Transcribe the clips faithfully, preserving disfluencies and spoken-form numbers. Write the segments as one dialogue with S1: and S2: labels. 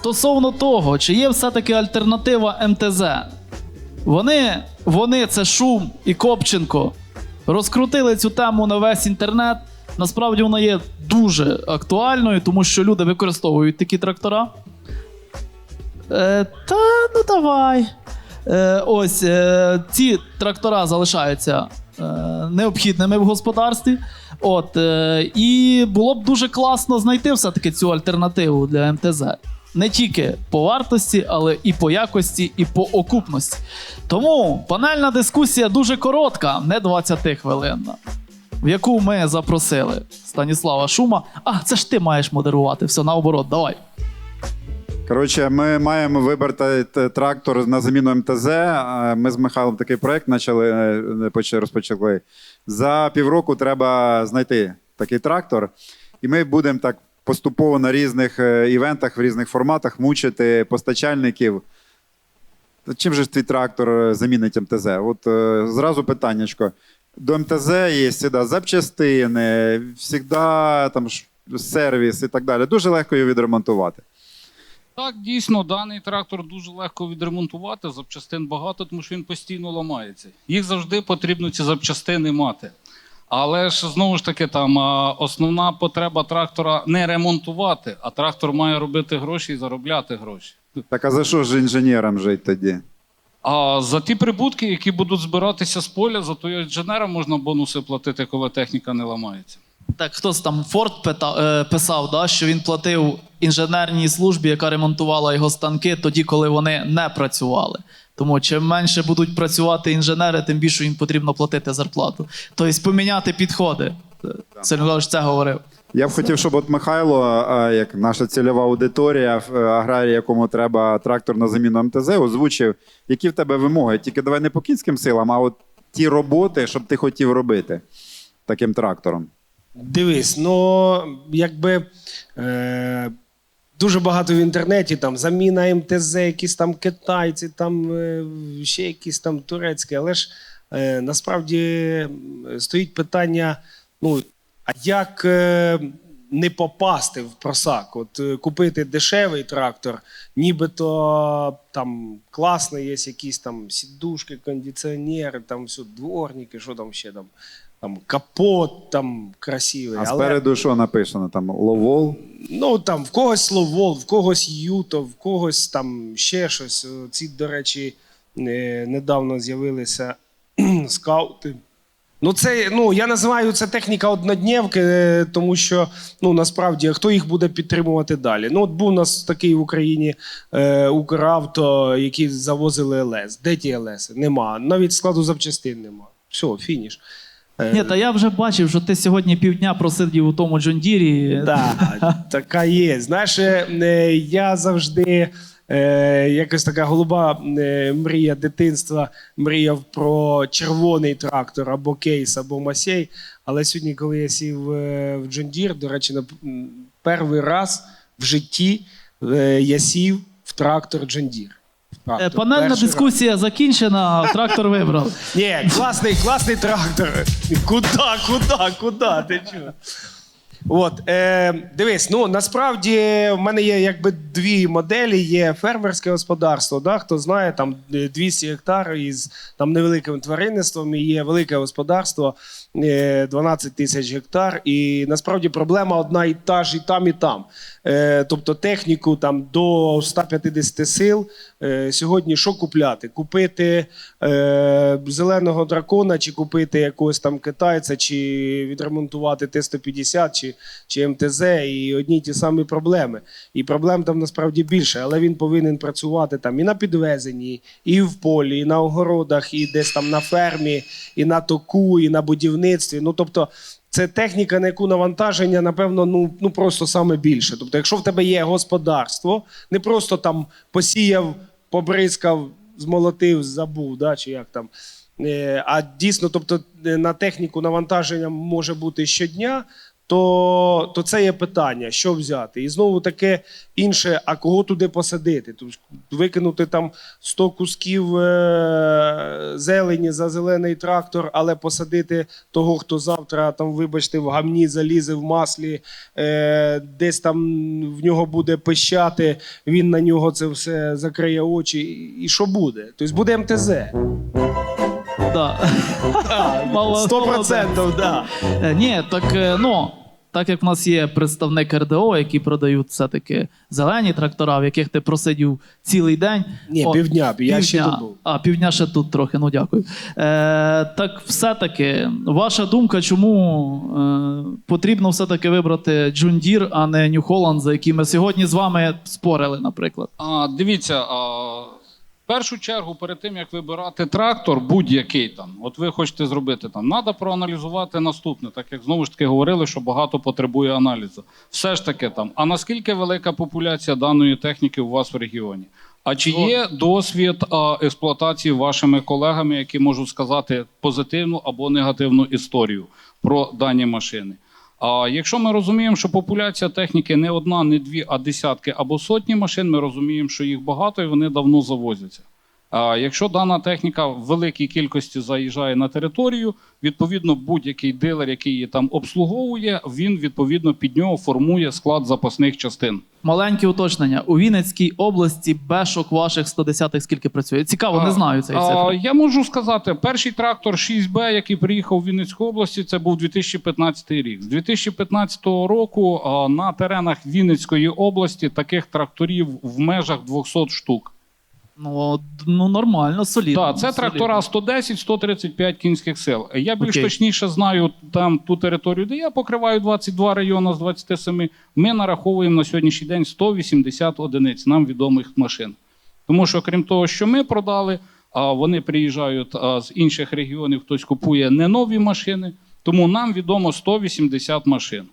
S1: стосовно того, чи є все-таки альтернатива ем те зет. Вони, вони, це Шум і Копченко, розкрутили цю тему на весь інтернет. Насправді вона є дуже актуальною, тому що люди використовують такі трактора. Е, та, ну давай. Е, ось, е, ці трактора залишаються е, необхідними в господарстві. От, е, і було б дуже класно знайти все-таки цю альтернативу для ем те зет. Не тільки по вартості, але і по якості, і по окупності. Тому панельна дискусія дуже коротка, не двадцятихвилинна, в яку ми запросили Станіслава Шума. А, це ж ти маєш модерувати, все, наоборот, давай.
S2: Коротше, ми маємо вибрати трактор на заміну ем те зет. Ми з Михайлом такий проєкт почали, розпочали. За півроку треба знайти такий трактор. І ми будемо так поступово на різних івентах, в різних форматах мучити постачальників. Чим же ж твій трактор замінить ем те зет? От зразу питаннячко. До ем те зет є завжди запчастини, завжди там сервіс і так далі. Дуже легко його відремонтувати.
S3: Так, дійсно, даний трактор дуже легко відремонтувати, запчастин багато, тому що він постійно ламається. Їх завжди потрібно ці запчастини мати. Але ж, знову ж таки, там основна потреба трактора не ремонтувати, а трактор має робити гроші і заробляти гроші.
S2: Так а за що ж інженерам жити тоді?
S3: А за ті прибутки, які будуть збиратися з поля, за то інженерам можна бонуси платити, коли техніка не ламається.
S1: Так, хтось там Форд писав, да, що він платив інженерній службі, яка ремонтувала його станки тоді, коли вони не працювали. Тому чим менше будуть працювати інженери, тим більше їм потрібно платити зарплату. Тобто поміняти підходи. Сергій це говорив.
S2: Я б хотів, щоб от Михайло, як наша цільова аудиторія, аграрій, якому треба трактор на заміну ем те зет, озвучив, які в тебе вимоги. Тільки давай не по кінським силам, а от ті роботи, щоб ти хотів робити таким трактором.
S4: Дивись, ну, якби е, дуже багато в інтернеті, там, заміна ем те зет, якісь там китайці, там, е, ще якісь там турецькі, але ж е, насправді стоїть питання, ну, а як е, не попасти в просак? От е, купити дешевий трактор, нібито там класний, є якісь там сідушки, кондиціонери, там все, дворники, що там ще там. Там капот там красивий.
S2: А
S4: але...
S2: спереду що написано? Там ловол?
S4: Ну там в когось ловол, в когось юто, в когось там ще щось. Ці, до речі, недавно з'явилися скаути. Ну, це, ну, я називаю це техніка однодневки, тому що, ну, насправді, хто їх буде підтримувати далі? Ну, от був у нас такий в Україні е, Укравто, які завозили ел ес. Де ті ел ес? Нема. Навіть складу запчастин нема. Все, фініш.
S1: Ні, та я вже бачив, що ти сьогодні півдня просидів у тому Джондірі.
S4: Так, така є. Знаєш, я завжди, якось така голуба мрія дитинства, мріяв про червоний трактор, або кейс, або масей. Але сьогодні, коли я сів в Джондір, до речі, на перший раз в житті я сів в трактор Джондір.
S1: Трактор. Панельна дискусія раз. закінчена, трактор вибрав.
S4: Ні, класний, класний трактор. Куда, куда, куда? Ти чого? От, е, дивись, ну насправді в мене є якби дві моделі. Є фермерське господарство, да, хто знає, там двісті гектар із там невеликим тваринництвом, і є велике господарство, е, дванадцять тисяч гектар. І насправді проблема одна і та ж і там, і там. Е, тобто техніку там до ста п'ятдесят сил. Е, сьогодні що купляти? Купити е, зеленого дракона, чи купити якогось там китайця, чи відремонтувати Т сто п'ятдесят, чи чи ем те зет, і одні й ті самі проблеми. І проблем там насправді більше, але він повинен працювати там і на підвезенні, і в полі, і на огородах, і десь там на фермі, і на току, і на будівництві. Ну, тобто, це техніка, на яку навантаження, напевно, ну, ну просто саме більше. Тобто, якщо в тебе є господарство, не просто там посіяв, побризкав, змолотив, забув, да, чи як там, а дійсно, тобто, на техніку навантаження може бути щодня, то, то це є питання, що взяти. І знову таке інше, а кого туди посадити? Тобто викинути там сто кусків е- зелені за зелений трактор, але посадити того, хто завтра, там, вибачте, в гамні залізе в маслі, е- десь там в нього буде пищати, він на нього це все закриє очі. І що буде? Тобто буде ем те зет.
S1: Да. Мало-
S4: Сто процентів, так.
S1: Е, Ні, так е, ну. Так як в нас є представник ер де о, які продають все-таки зелені трактора, в яких ти просидів цілий день.
S4: Ні,
S1: О,
S4: півдня, я ще
S1: півдня.
S4: тут був.
S1: А, півдня ще тут трохи, ну дякую. Е, так все-таки, ваша думка, чому е, потрібно все-таки вибрати John Deere, а не New Holland, за які ми сьогодні з вами спорили, наприклад?
S3: А, дивіться, а, в першу чергу, перед тим, як вибирати трактор, будь-який там, от ви хочете зробити там, треба проаналізувати наступне, так як знову ж таки говорили, що багато потребує аналізу. Все ж таки там, а наскільки велика популяція даної техніки у вас в регіоні? А чи є досвід а, експлуатації вашими колегами, які можуть сказати позитивну або негативну історію про дані машини? А якщо ми розуміємо, що популяція техніки не одна, не дві, а десятки або сотні машин, ми розуміємо, що їх багато і вони давно завозяться. А якщо дана техніка в великій кількості заїжджає на територію, відповідно будь-який дилер, який її там обслуговує, він відповідно під нього формує склад запасних частин.
S1: Маленьке уточнення. У Вінницькій області бешок ваших сто десятих скільки працює? Цікаво, не знаю цієї
S3: А,
S1: цифри.
S3: я можу сказати, перший трактор шість бе, який приїхав в Вінницьку області, це був дві тисячі п'ятнадцятий рік. З дві тисячі п'ятнадцятого року а, на теренах Вінницької області таких тракторів в межах двісті штук.
S1: Ну, ну нормально, солідно.
S3: Так, це трактора сто десять - сто тридцять п'ять кінських сил. Я більш
S1: Окей.
S3: точніше знаю там ту територію, де я покриваю двадцять два райони з двадцяти семи. Ми нараховуємо на сьогоднішній день сто вісімдесят одиниць нам відомих машин. Тому що, крім того, що ми продали, а вони приїжджають а, з інших регіонів, хтось купує не нові машини, тому нам відомо сто вісімдесят машин.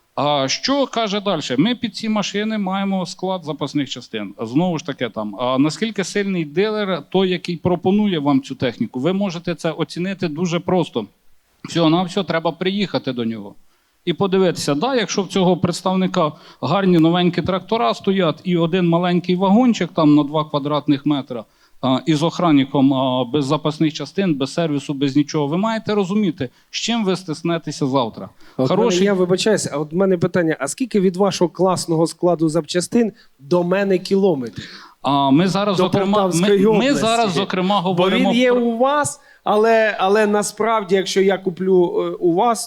S3: А що каже далі? Ми під ці машини маємо склад запасних частин. Знову ж таки, там, а наскільки сильний дилер, той, який пропонує вам цю техніку, ви можете це оцінити дуже просто. Всього-навсього треба приїхати до нього і подивитися, да, якщо в цього представника гарні новенькі трактора стоять і один маленький вагончик там на два квадратних метра, а, із охранником а, без запасних частин, без сервісу, без нічого, ви маєте розуміти, з чим ви стиснетеся завтра.
S4: От
S3: Хороший...
S4: мене, я вибачаюся, а от в мене питання: а скільки від вашого класного складу запчастин до мене кілометрів?
S3: А ми зараз,
S4: До
S3: зокрема, ми,
S4: Полтавської
S3: ми
S4: області.
S3: зараз, зокрема,
S4: Бо
S3: говоримо
S4: він є
S3: про...
S4: у вас, але, але насправді, якщо я куплю е, у вас,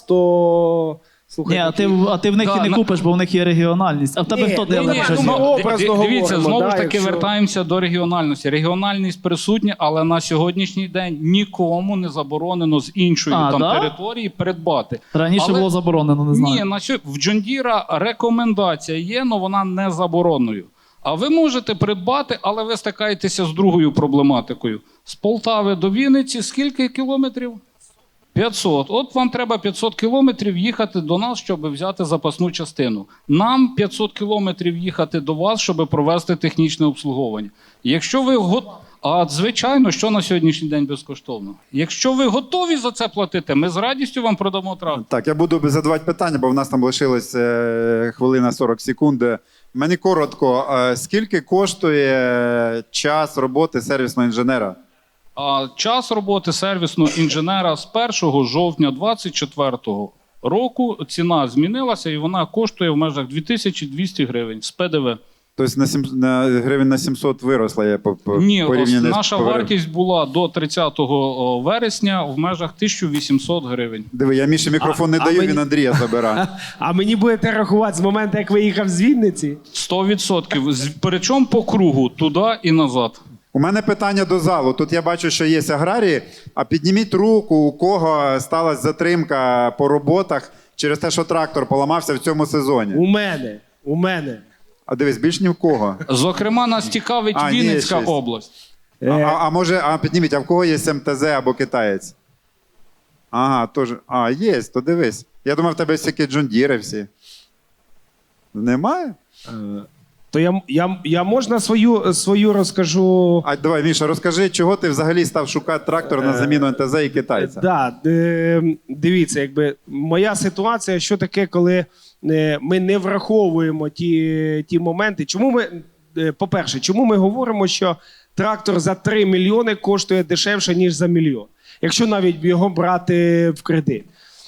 S4: то
S1: Ні,
S4: слухайте.
S1: а ти, в- а ти в них
S3: Да,
S1: і не
S3: на-
S1: купиш, бо в них є регіональність. А в тебе
S4: Ні,
S1: хто
S4: ну,
S1: дилер?
S4: ні,
S1: вже
S4: ну,
S1: зняв?
S4: ми образно
S3: Ди- Дивіться,
S4: говоримо,
S3: знову
S4: да,
S3: ж таки
S4: якщо-
S3: вертаємося до регіональності. Регіональність присутня, але на сьогоднішній день нікому не заборонено з іншої
S1: А,
S3: там
S1: да?
S3: території придбати.
S1: Раніше
S3: Але-
S1: було заборонено, не знаю.
S3: Ні, на сьо- в Джондіра рекомендація є, але вона не заборонною. А ви можете придбати, але ви стикаєтеся з другою проблематикою. З Полтави до Вінниці скільки кілометрів? п'ятсот. От вам треба п'ятсот кілометрів їхати до нас, щоб взяти запасну частину. Нам п'ятсот кілометрів їхати до вас, щоб провести технічне обслуговування. Якщо ви го... А звичайно, що на сьогоднішній день безкоштовно. Якщо ви готові за це платити, ми з радістю вам продамо трактор.
S2: Так, я буду задавати питання, бо в нас там лишилось е, хвилина сорок секунд. Мені коротко, е, скільки коштує час роботи сервісного інженера?
S3: А час роботи сервісного інженера з першого жовтня двадцять четвертого року ціна змінилася і вона коштує в межах дві тисячі двісті гривень з пе де ве.
S2: Тобто на, сім, на гривень на сімсот виросла я по, по
S3: Ні, ось
S2: порівняно з
S3: наша
S2: поверх-
S3: вартість була до тридцятого вересня в межах тисяча вісімсот гривень.
S2: Диви, я Міші мікрофон не
S4: А- а
S2: даю,
S4: мені-
S2: він Андрія забирає.
S4: А мені будете рахувати з моменту, як виїхав з Вінниці?
S3: сто відсотків. З- Причому по кругу, туди і назад.
S2: У мене питання до залу. Тут я бачу, що є аграрії, а підніміть руку, у кого сталася затримка по роботах через те, що трактор поламався в цьому сезоні.
S4: У мене. У мене.
S2: А дивись, більш ні в кого.
S3: Зокрема, нас цікавить
S2: А, ні,
S3: Вінницька
S2: щось.
S3: область.
S2: А,
S4: Е,
S2: а, а може, а підніміть, а в кого є ем те зе або китаєць? Ага, тож. А, є, то дивись. Я думав, в тебе всякі джондіри всі. Немає?
S4: То я, я, я можна свою, свою розкажу.
S2: А давай, Міша, розкажи, чого ти взагалі став шукати трактор на заміну ен те зе і китайця?
S4: Да, е, дивіться, якби моя ситуація, що таке, коли е, ми не враховуємо ті, ті моменти. Чому ми, е, по-перше, чому ми говоримо, що трактор за три мільйони коштує дешевше, ніж за мільйон, якщо навіть його брати в кредит?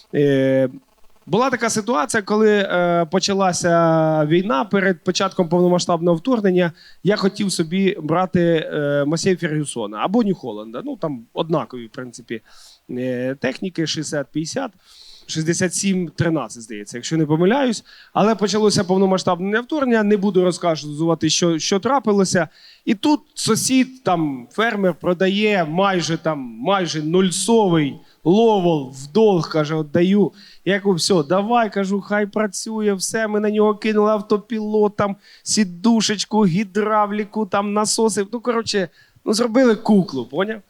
S4: Е, Була така ситуація, коли е, почалася війна перед початком повномасштабного вторгнення. Я хотів собі брати е, Масей Фергюсона або Нью-Холланда. Ну там однакові, в принципі, е, техніки шістдесят п'ятдесят, шістдесят сім тринадцять, здається, якщо не помиляюсь. Але почалося повномасштабне вторгнення. Не буду розказувати, що, що трапилося. І тут сусід, там фермер, продає майже там майже нульсовий ловол в долг, каже, отдаю. Я кажу, все, давай, кажу, хай працює, все, ми на нього кинули автопілот, там, сідушечку, гідравліку, там, насоси. Ну, коротше, ну, зробили куклу, поняв?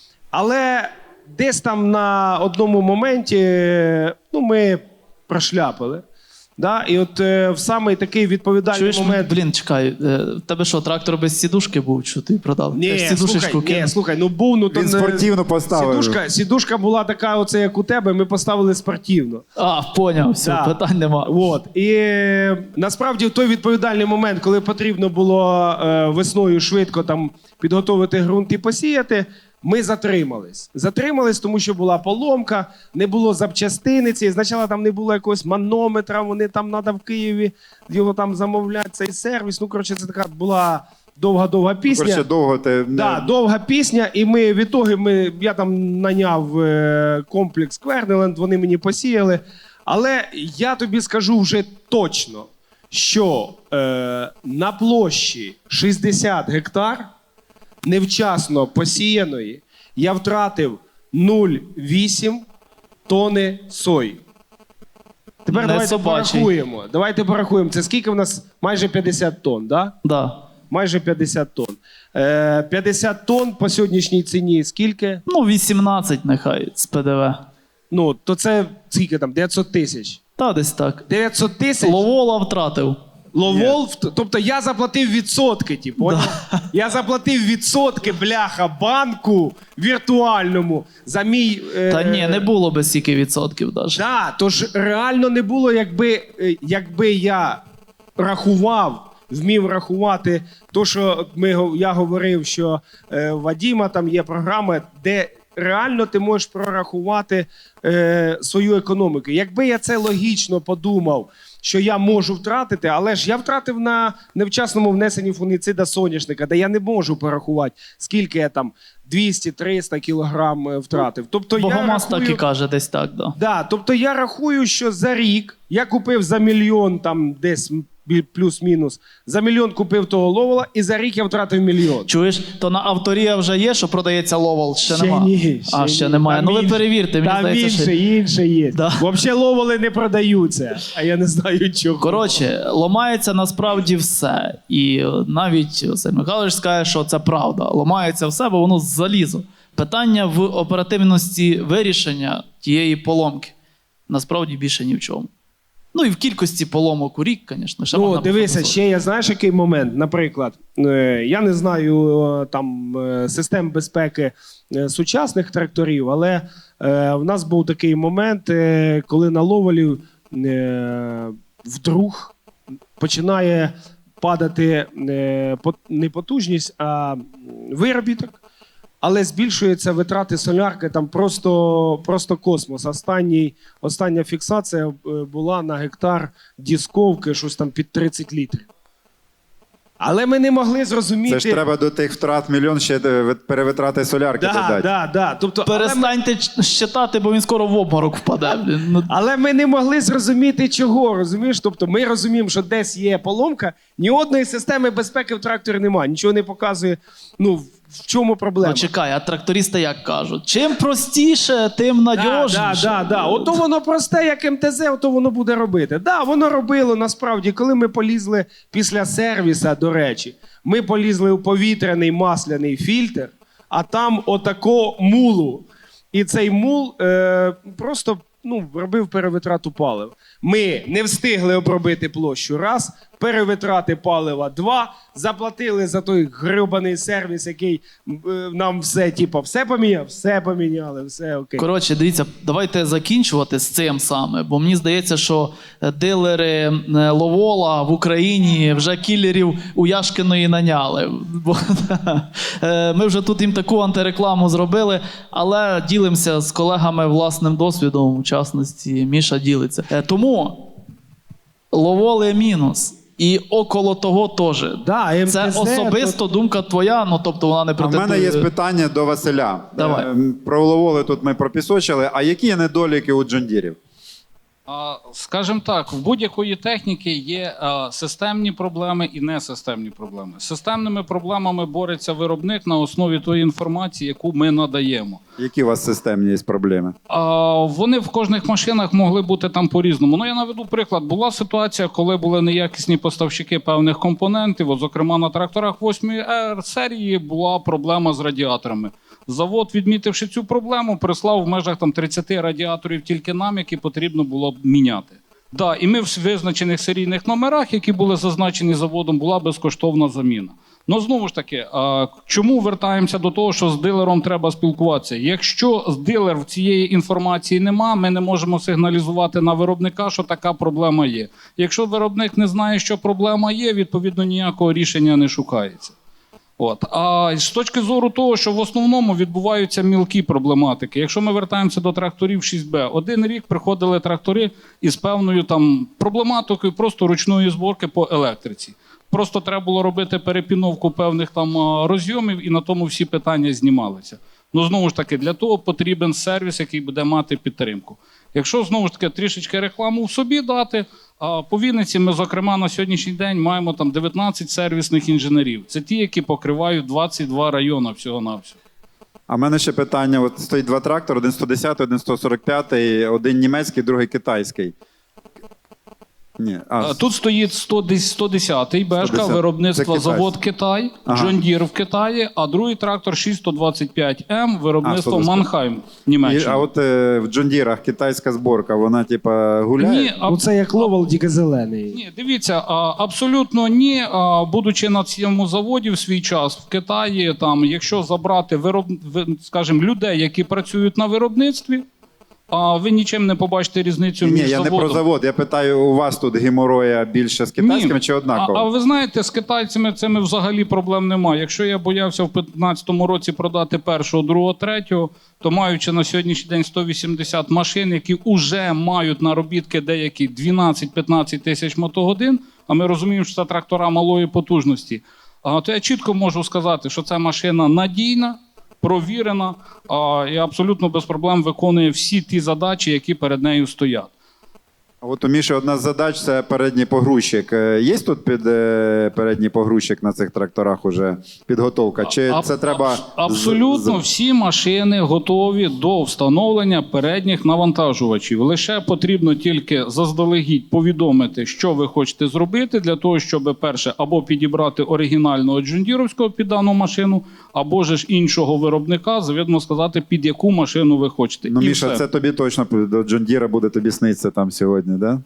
S4: Але десь там на одному моменті, ну, ми прошляпили. Да? І от е, в самий такий відповідальний
S1: Чуєш,
S4: момент...
S1: блін, чекай, е, в тебе що, трактор без сідушки був, що ти продав?
S4: Ні,
S1: Ти ж сідушечку
S4: слухай, ні,
S1: кинув.
S4: слухай, ну був, ну то
S2: Він
S4: не-
S2: спортивно поставив.
S4: Сідушка, сідушка була така, оце як у тебе, ми поставили спортивно.
S1: А, поняв, все,
S4: Да.
S1: питань нема.
S4: От. І е, насправді в той відповідальний момент, коли потрібно було е, весною швидко там підготовити ґрунт і посіяти, ми затримались. Затримались, тому що була поломка, не було запчастини цієї. Спочатку там не було якогось манометра, вони там треба в Києві його там замовляти, цей сервіс. Ну, коротше, це така була довга-довга пісня.
S2: Коротше, довго ти... не-
S4: Да, довга пісня, і ми в ітогі, ми, я там наняв е, комплекс Квернеленд, вони мені посіяли. Але я тобі скажу вже точно, що е, на площі шістдесят гектар невчасно посіяної я втратив нуль цілих вісім тони сої. Тепер
S1: Не
S4: давайте
S1: собачий.
S4: порахуємо. Давайте порахуємо. Це скільки в нас? Майже п'ятдесят тонн, да?
S1: Да.
S4: Майже п'ятдесят тонн. Е, п'ятдесят тонн по сьогоднішній ціні скільки?
S1: Ну, вісімнадцять нехай з пе де ве.
S4: Ну, то це скільки там? дев'ятсот тисяч.
S1: Та десь так.
S4: дев'ятсот тисяч
S1: Ловола втратив.
S4: ловол, в- тобто я заплатив відсотки, ті, поняв? Я заплатив відсотки, бляха, банку віртуальному за мій... е,
S1: Та ні, не було би стільки відсотків навіть.
S4: Да, тож реально не було, якби, е, якби я рахував, вмів рахувати то, що ми, го- я говорив, що е, у Вадіма там є програма, де реально ти можеш прорахувати е, свою економіку. Якби я це логічно подумав, що я можу втратити, але ж я втратив на невчасному внесенні фунгіцида соняшника, де я не можу порахувати, скільки я там двісті-триста кілограм е, втратив. Тобто я
S1: Богомаз так і
S4: рахую...
S1: каже, десь так, да.
S4: Да, тобто я рахую, що за рік я купив за мільйон, там десь бі- плюс-мінус, за мільйон купив того ловола, і за рік я втратив мільйон.
S1: Чуєш, то на авторія вже є, що продається ловол? Ще,
S4: Ще
S1: нема.
S4: ні,
S1: а,
S4: ще
S1: ще
S4: ні.
S1: немає.
S4: Там
S1: Ну ви
S4: інше-
S1: перевірте, мені
S4: Там
S1: здається,
S4: інше,
S1: що...
S4: інше є.
S1: Да.
S4: Взагалі ловоли не продаються, а я не знаю чого.
S1: Коротше, ламається насправді все. І е, навіть Василь Михайлович скаже, що це правда. Ламається все, бо воно залізо. Питання в оперативності вирішення тієї поломки. Насправді більше ні в чому. Ну і в кількості поломок у рік, звісно. ще
S4: Ну,
S1: можна
S4: дивися,
S1: пофантазувати.
S4: ще я знаєш, який момент. Наприклад, е, я не знаю е, там е, систем безпеки е, сучасних тракторів, але е, в нас був такий момент, е, коли на ловолі е, вдруг починає падати е, пот- не потужність, а виробіток. Але збільшуються витрати солярки, там просто, просто космос. Останній, остання фіксація е, була на гектар дісковки, щось там під тридцять літрів. Але ми не могли зрозуміти.
S2: Це ж треба до тих втрат мільйон ще е, ви- перевитрати солярки
S4: да,
S2: додати.
S4: да, да. Тобто, але, ми,
S1: Перестаньте ч- щитати, бо він скоро в обморок впаде. Блін. Ну,
S4: але ми не могли зрозуміти, чого, розумієш? Тобто ми розуміємо, що десь є поломка, ні одної системи безпеки в тракторі немає, нічого не показує, ну, в чому проблема.
S1: ну чекай, а трактористи як кажуть? Чим простіше, тим
S4: Да,
S1: надіжніше.
S4: да, да, да. Ото воно просте, як ем те зет, ото воно буде робити. Да, воно робило насправді, коли ми полізли після сервіса, до речі, ми полізли у повітряний масляний фільтр, а там отако мулу. І цей мул е, просто ну, робив перевитрату палив. Ми не встигли обробити площу раз, перевитрати палива два, заплатили за той гребаний сервіс, який е, нам все, типу, все поміняв, все поміняли, все окей.
S1: Коротше, дивіться, давайте закінчувати з цим саме, бо мені здається, що е, дилери е, Ловола в Україні вже кілерів у Яшкиної наняли. Бо, е, ми вже тут їм таку антирекламу зробили, але ділимося з колегами власним досвідом, в частності Міша ділиться. Е, тому Ловоли мінус. І около того теж.
S4: Да, ем те
S1: Це
S4: зет,
S1: особисто думка твоя, ну тобто вона не
S2: А в
S1: претендує.
S2: мене є питання до Василя.
S1: Давай.
S2: Е, Про Ловоли тут ми пропісочили. А які є недоліки у джондірів?
S3: А, Скажімо так, в будь-якої техніки є а, системні проблеми і несистемні проблеми. З системними проблемами бореться виробник на основі тої інформації, яку ми надаємо.
S2: Які у вас системні є проблеми?
S3: А, вони в кожних машинах могли бути там по-різному. Ну, я наведу приклад. Була ситуація, коли були неякісні поставщики певних компонентів. От, зокрема, на тракторах восьмої ер серії була проблема з радіаторами. Завод, відмітивши цю проблему, прислав в межах там тридцяти радіаторів тільки нам, які потрібно було б міняти. Да, і ми в визначених серійних номерах, які були зазначені заводом, була безкоштовна заміна. Ну, знову ж таки, а чому вертаємося до того, що з дилером треба спілкуватися? Якщо з дилер цієї інформації нема, ми не можемо сигналізувати на виробника, що така проблема є. Якщо виробник не знає, що проблема є, відповідно ніякого рішення не шукається. От. А з точки зору того, що в основному відбуваються мілкі проблематики. Якщо ми вертаємося до тракторів шість бе, один рік приходили трактори із певною там проблематикою просто ручної зборки по електриці. Просто треба було робити перепіновку певних там розйомів, і на тому всі питання знімалися. Ну, знову ж таки, для того потрібен сервіс, який буде мати підтримку. Якщо, знову ж таки, трішечки рекламу в собі дати, а по Вінниці ми, зокрема, на сьогоднішній день маємо там дев'ятнадцять сервісних інженерів. Це ті, які покривають двадцять два райони всього-навсього.
S2: А в мене ще питання: от стоїть два трактори: один сто десятий, один сто сорок п'ятий, один німецький, другий китайський. Ні, а,
S3: А, Тут стоїть сто десятий Бешка,
S2: сто десятий.
S3: виробництво
S2: Це
S3: завод Китай,
S2: Ага.
S3: John Deere в Китаї, а другий трактор шість сто двадцять п'ять ем, виробництво
S2: А, сто двадцять п'ять.
S3: Манхайм,
S2: І,
S3: Німеччина.
S2: а от е, в джондірах китайська зборка, вона типа гуляє?
S3: Ні, а
S4: Ну це як Ловол, тільки зелений.
S3: Ні, дивіться, а, абсолютно ні. А, будучи на цьому заводі в свій час в Китаї, там, якщо забрати вироб... ви- скажімо, людей, які працюють на виробництві, а ви нічим не побачите різницю
S2: Ні,
S3: між
S2: я не
S3: заводом.
S2: про завод. Я питаю, у вас тут геморроя більше з китайськими
S3: Ні.
S2: чи однаково?
S3: А, а ви знаєте, з китайцями цими взагалі проблем немає. Якщо я боявся в п'ятнадцятому році продати першого, другого, третього, то маючи на сьогоднішній день сто вісімдесят машин, які вже мають наробітки деякі дванадцять-п'ятнадцять тисяч мотогодин, а ми розуміємо, що це трактора малої потужності, а, то я чітко можу сказати, що ця машина надійна, провірена а, і абсолютно без проблем виконує всі ті задачі, які перед нею стоять.
S2: А от у Міші одна з задач – це передній погрузчик. Е, Є тут під е, передній погрузчик на цих тракторах уже підготовка? Чи
S3: А-
S2: це треба...
S3: аб- Абсолютно
S2: з- з-
S3: всі машини готові до встановлення передніх навантажувачів. Лише потрібно тільки заздалегідь повідомити, що ви хочете зробити, для того, щоб перше або підібрати оригінального джондіровського під дану машину, або ж іншого виробника, завідомо сказати, під яку машину ви хочете.
S2: Ну,
S3: І
S2: Міша,
S3: все.
S2: це тобі точно до Джондіра буде тобі сниться там сьогодні, да?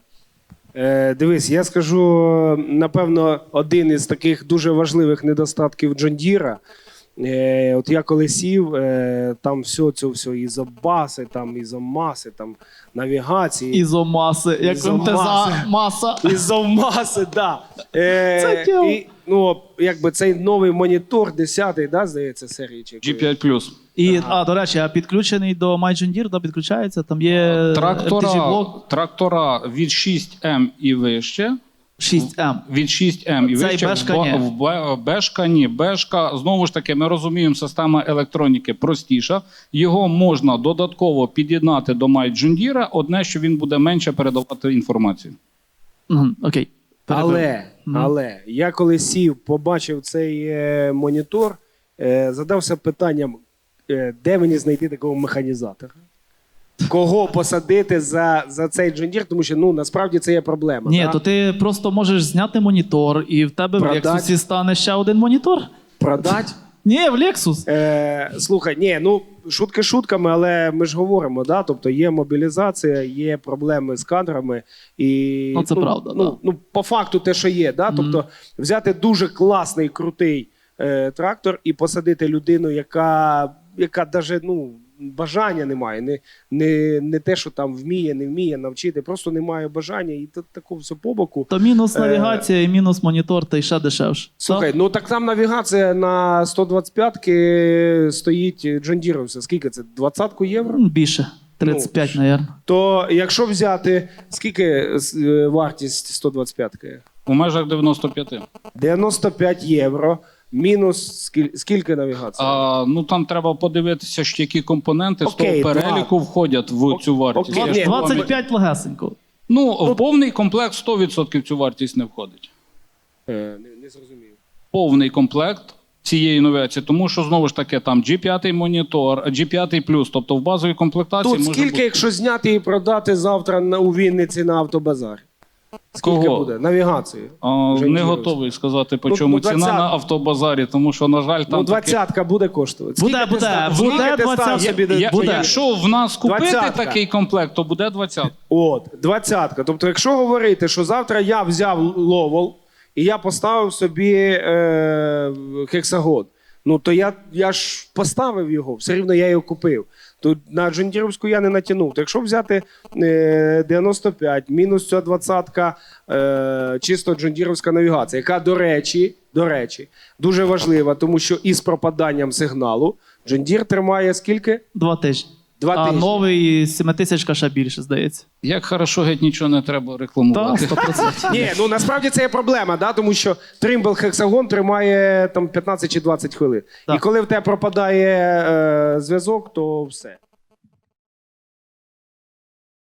S4: Е, дивись, я скажу, напевно, один із таких дуже важливих недостатків Джондіра. Е, от я коли сів, е, там все це все ізобаси, там ізомаси, там навігації.
S1: Ізомаси, як
S4: Ізомаси.
S1: МТЗ маса.
S4: Ізомаси, да. Е,
S1: Це тіло.
S4: і, ну, якби цей новий монітор, десятий, да, здається, серії. Чи
S3: джі п'ять плюс.
S1: І, а, до речі, а підключений до MyJohn да, підключається, там є еф ті
S3: Трактора,
S1: джі-блок
S3: трактора від шість ем і вище.
S1: шість ем.
S3: Від шість ем і
S1: Цей
S3: вище.
S1: Бешка
S3: в,
S1: ні.
S3: в, в Бешка ні. Бешка, знову ж таки, ми розуміємо, система електроніки простіша. Його можна додатково під'єднати до MyJohn. Одне, що він буде менше передавати інформацію.
S1: Угу, окей.
S4: Але,
S1: Мгм.
S4: але я коли сів, побачив цей е, монітор, е, задався питанням, е, де мені знайти такого механізатора? Кого посадити за, за цей джондір, тому що ну, насправді це є проблема.
S1: Ні,
S4: да?
S1: то ти просто можеш зняти монітор, і в тебе
S4: Продать.
S1: в Lexus стане ще один монітор.
S4: Продать?
S1: Ні, в Lexus.
S4: Е, слухай, ні, ну шутки шутками, але ми ж говоримо, да? Тобто є мобілізація, є проблеми з кадрами. І,
S1: Ну, це правда,
S4: ну,
S1: да.
S4: ну, по факту те, що є. Да? Тобто взяти дуже класний, крутий е, трактор і посадити людину, яка, яка даже, ну, бажання немає. Не, не, не те, що там вміє, не вміє навчити, просто немає бажання. І тут такого все по боку.
S1: То мінус
S4: Е,
S1: навігація і мінус монітор, та й ще дешевше.
S4: Слухай, ну так там навігація на сто двадцять п'ятки стоїть Джондіровся. Скільки це? двадцятку євро?
S1: М, Більше. тридцять п'ять, мабуть.
S4: То якщо взяти, скільки е, вартість сто двадцять п'ятки?
S3: У межах дев'яносто п'ять.
S4: дев'яносто п'ять євро. Мінус скіль, скільки навігація?
S3: А, ну там треба подивитися, що які компоненти
S4: Окей,
S3: з того переліку входять в цю вартість.
S4: окей.
S3: Я ж
S4: Ні,
S3: вам-
S1: двадцять п'ять легесенько.
S3: Ну, в повний комплект сто відсотків цю вартість не входить.
S4: Е, не, не зрозумів.
S3: Повний комплект цієї новації, тому що знову ж таки там джі п'ять монітор, джі п'ять плюс, тобто в базовій комплектації
S4: Тут
S3: може
S4: скільки,
S3: бути...
S4: якщо зняти і продати завтра на, у Вінниці на автобазарі? Скільки
S3: Кого?
S4: буде? Навігації.
S3: А,
S4: Джондіровська.
S3: не готовий сказати, по
S4: Ну,
S3: чому
S4: ну,
S3: ціна
S4: двадцять.
S3: на автобазарі, тому що, на жаль, там
S4: Ну,
S3: таке-
S4: двадцятка буде коштувати.
S1: Буде,
S4: Скільки ти
S1: буде,
S4: став-
S1: буде
S4: скільки ти став
S1: двадцятка.
S4: собі до-
S3: Я-
S1: Буде.
S3: Якщо в нас купити
S4: Двадцятка.
S3: такий комплект, то буде двадцять.
S4: От, двадцятка. Тобто, якщо говорити, що завтра я взяв ловол і я поставив собі е, хексагон, ну то я, я ж поставив його, все рівно я його купив. То на Джондіровську я не натягнув. То якщо взяти е, дев'яносто п'ять, мінус ця двадцятка, е, чисто Джондіровська навігація, яка, до речі, до речі, дуже важлива, тому що із пропаданням сигналу Джондір тримає скільки?
S1: Два тижні.
S4: Два
S1: а
S4: тижні.
S1: новий сімитисячка ще більше, здається.
S3: Як хорошо, геть нічого не треба
S1: Так,
S3: рекламувати.
S1: сто відсотків.
S4: Ні, ну насправді це є проблема, да? Тому що тримбл хексагон тримає там п'ятнадцять чи двадцять хвилин.
S1: Так.
S4: І коли в тебе пропадає е, зв'язок, то все.